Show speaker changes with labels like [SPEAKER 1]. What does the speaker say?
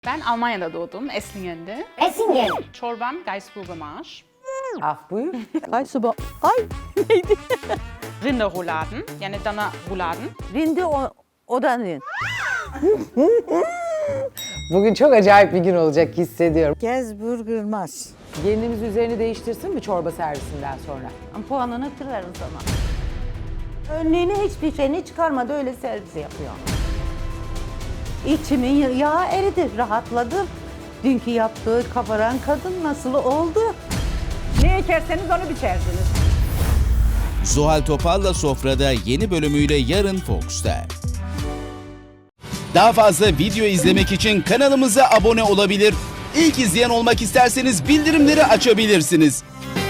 [SPEAKER 1] Ben Almanya'da doğdum, Eslingen'de.
[SPEAKER 2] Essingen.
[SPEAKER 1] Çorbam Gaisburger Marsch.
[SPEAKER 3] Ah buyur.
[SPEAKER 4] Kaysuba. Ay neydi?
[SPEAKER 1] Rinderrouladen, yani dana rouladen.
[SPEAKER 4] Rindi o da ne?
[SPEAKER 3] Bugün çok acayip bir gün olacak hissediyorum.
[SPEAKER 5] Gaisburger Marsch.
[SPEAKER 3] Gelinimiz üzerini değiştirsin mi çorba servisinden sonra?
[SPEAKER 4] Puanını kırarız ama. Önlüğünü hiçbir şeyini çıkarmadı öyle servis yapıyor. İçimin yağı eridi, rahatladım. Dünkü yaptığı kabaran kadın nasıl oldu?
[SPEAKER 5] Ne ekerseniz onu biçersiniz.
[SPEAKER 6] Zuhal Topal'la Sofra'da yeni bölümüyle yarın Fox'ta. Daha fazla video izlemek için kanalımıza abone olabilir. İlk izleyen olmak isterseniz bildirimleri açabilirsiniz.